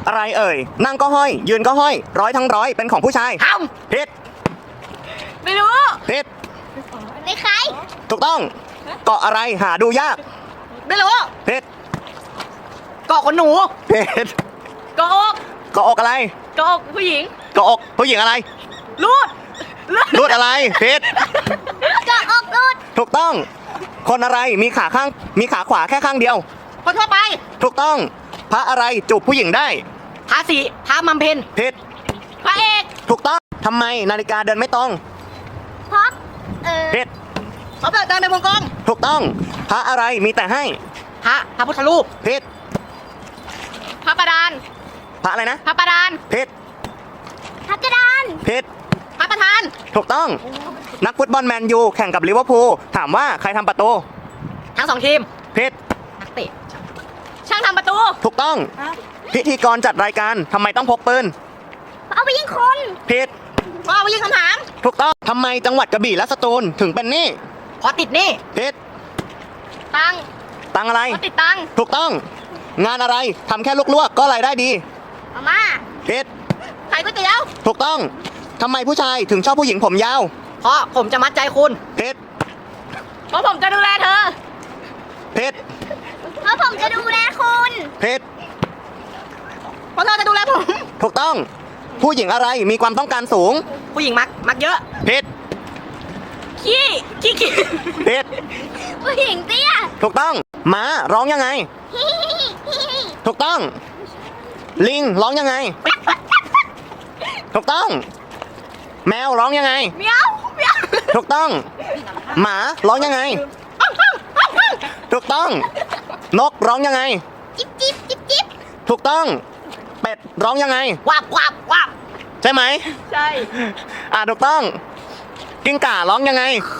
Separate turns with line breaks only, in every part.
อะไรเอ่ยนั่งก็ห้อยยืนก็ห้อยร้อยทั้งร้อยเป็นของผู้ชายผิด
ไม่รู้
ผิด
ในใคร
ถูกต้องเกาะอะไรหาดูยาก
ไม่รู้
ผิด
เกาะขนหนู
ผิด
เกาะอก
เกาะอกอะไร
เกาะอกผู้หญิง
เกาะอกผู้หญิงอะไร
รูด
รูดอะไรผิด
เกาะอกรูด
ถูกต้องคนอะไรมีขาขวาแค่ข้างเดียว
คนทั่วไป
ถูกต้องพระอะไรจูบผู้หญิงได้
พระศรีพระมัมเพน
ผิด
พระเอก
ถูกต้องทำไมนาฬิกาเดินไม่ตรง
เพราะ
ผิด
สมเด็จเดินในวงกลม
ถูกต้องพระอะไรมีแต่ให้
พระพุทธรูป
ผิด
พระประดาน
พระอะไรนะ
พระประดาน
ผิด
พักระดาน
ผิด
พระประธาน
ถูกต้องนักฟุตบอลแมนยูแข่งกับลิเวอร์พูลถามว่าใครทำประตู
ทั้งสองทีม
ผิด
นักเตะช่างทำประตู
ถูกต้องพิธีกรจัดรายการทำไมต้องพกปืน
เอาไปยิงคน
ผิด
เพราะเอาไปยิงคำถาม
ถูกต้องทำไมจังหวัดกระบี่และสตูลถึงเป็นหนี้
ขอติดหนี่
ผิด
ตัง
ตังอะไร
ขอติดตัง
ถูกต้องงานอะไรทำแค่ลวกๆก็รายได้ดี
มาม่า
ผิด
ขายก๋วยเตี๋ยว
ถูกต้องทำไมผู้ชายถึงชอบผู้หญิงผมยาว
เพราะผมจะมัดใจคุณ
ผิด
เพราะผมจะดูแลเธอ
ผิด
เพราะผมจะดูแลคุณ
ผิด
เพราะเธอจะดูแลผม
ถูกต้องผู้หญิงอะไรมีความต้องการสูง
ผู้หญิงมักเยอะ
ผิด
ขี้
ผิด
ผู้หญิงเตี้ย
ถูกต้องม้าร้องยังไง ถูกต้อง ลิงร้องยังไง ถูกต้อง แมวร้องยังไง
เมียวเมียว
ถูกต้อง หมาร้องยังไง ถูกต้อง นกร้องยังไง
จิ๊บจิ๊บจิ๊บจิ๊บ
ถูกต้อง เป็ดร้องยังไง
วับ
ใช่ไหม
ใช่
ถูกต้อง กิ้งก่าร้องยังไง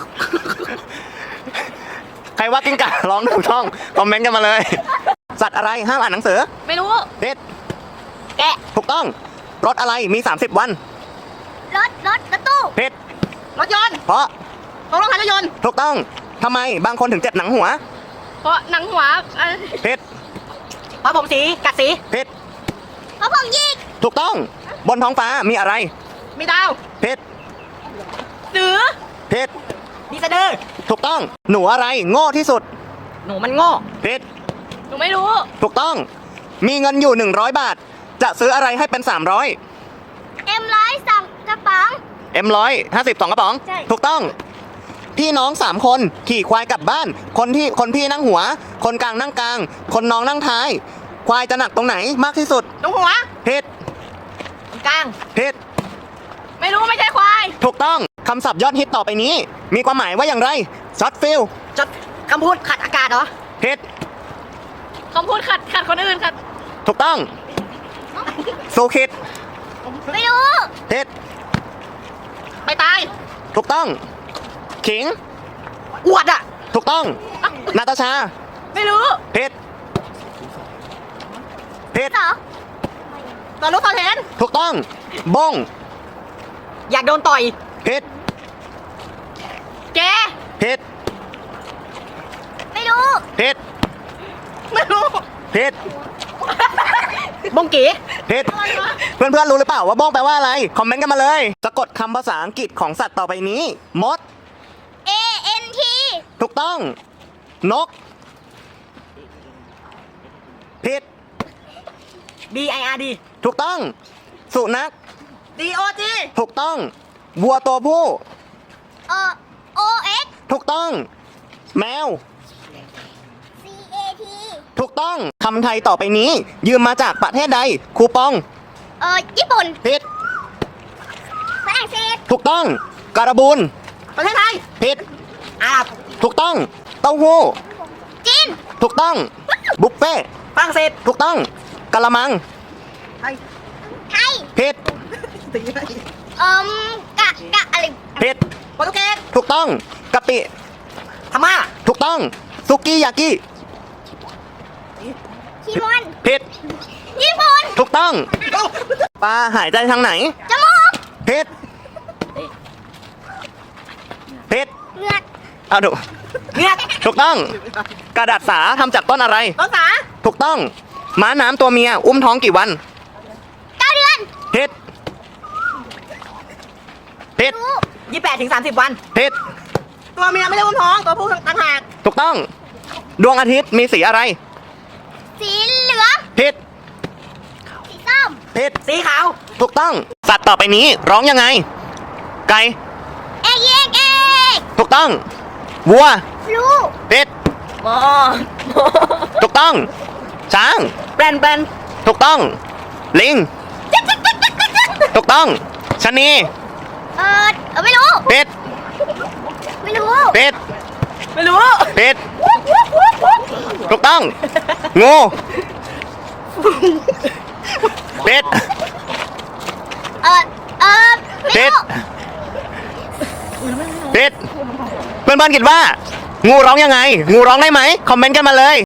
ใครว่ากิ้งก่าร้องถูกต้องคอมเมนต์กันมาเลย สัตว์อะไรห้ามอ่านหนังสือ
ไม่รู้
ผิด
แกะ
ถูกต้อง รถอะไรมี 30 วัน
รถตู้
ผิด
รถยนต์
เพราะ
ของรถยนต์
ถูกต้องทำไมบางคนถึงเจ็บหนังหัว
เพราะหนังหัว
ผิด
เพราะผมสีกัดสี
ผิด
เพราะผมยิง
ถูกต้อง บนท้องฟ้ามีอะไร
มีดาว
ผิด
เสือ
ผิด
มีสะดือ
ถูกต้อง หนูอะไรโง่ที่สุด
หนูมันโง่
ผิด
หนูไม่รู้
ถูกต้อง มีเงินอยู่100 บาท จะซื้ออะไรให้เป็น300
M100สั่งกระป๋อง
M100 52กระป๋อง
ใช่
ถูกต้อง พี่น้อง3 คนขี่ควายกลับบ้าน คนพี่นั่งหัว คนกลางนั่งกลาง คนน้องนั่งท้าย ควายจะหนักตรงไหนมากที่สุด
ตรงหัว
ผิด
ตรงกลาง
ผิด
ไม่รู้ไม่ใช่ควาย
ถูกต้องคำศัพท์ยอดฮิตต่อไปนี้ มีความหมายว่าอย่างไรช็อตฟิล
จดคำพูดขัดอากาศเหรอ
ผิด
คำพูดขัดคนอื่นขัด
ถูกต้องสูคิด
ไม่รู้
ผิด
ไปตาย
ถูกต้องขิง
อวดอ่ะ
ถูกต้องนาตาชา
ไม่รู้
ผิดผิด
เหรอ
ตอนรู้ตอนเห็น
ถูกต้องบง
อยากโดนต่อย
ผิด
แก
ผิด
ไม่รู้
ผิด
ไม่รู้
ผิด
บงกี
ผิดเพื่อนๆรู้หรือเปล่าว่าบ้องแปลว่าอะไรคอมเมนต์กันมาเลยสะกดคำภาษาอังกฤษของสัตว์ต่อไปนี้มด
ANT
ถูกต้องนกผิด
BIRD
ถูกต้องสุนัข
DOG
ถูกต้องวัวตัวผู้
OX
ถูกต้อง แมว
CAT
ถูกต้องคำไทยต่อไปนี้ ยืมมาจากประเทศใดคูปอง
ญี่ปุ่น
ผิด
ฝรั่งเศส
ถูกต้องการบูน
ประเทศไทย
ผิด
อาหรับ
ถูกต้องเต้าหู้
จีน
ถูกต้องบุฟเฟ่ต์
ฝรั่งเศส
ถูกต้องกะละมัง
ไทย
ไทย
ผิด
กะอะไร
ผิด
โปรตุเกส
ถูกต้องกะปิ
พม่า
ถูกต้องซุกี้ยากิ
คิมอน
ผิด
ญี่ปุ่น
ถูกต้องปลาหายใจทางไหน
จมูก
ผิดผิด
เหงือก
เอาดู
เงียบ
ถูกต้องกระดาษสาทำจากต้นอะไร
ต้นสา
ถูกต้องม้าน้ำตัวเมียอุ้มท้องกี่วันผิดผิด
รู้
28 ถึง 30 วัน
ผิด
ตัวเมียไม่ได้อุ้มท้อง ตัวผู้ต่างหาก
ถูกต้อง ดวงอาทิตย์มีสีอะไร
สีเหลือง
ผิด
สีส้ม
ผิด
สีขาว
ถูกต้อง สัตว์ต่อไปนี้ร้องยังไง ไก่
เอกเอกเอก
ถูกต้อง วัว
รู้
ผิด
หมอ
ถูกต้อง ช้าง
แปลน
ถูกต้อง ลิง ถูกต้องชะนี
ไม่รู้
ผิด
ไม่รู้
ผิด
ไม่รู้
ผิด ถูกต้อง งู ผิด
ไม่
ผิด
รู้
ผิด เพื่อนๆคิดว่า งูร้องยังไง งูร้องได้ไหม คอมเมนต์กันมาเลย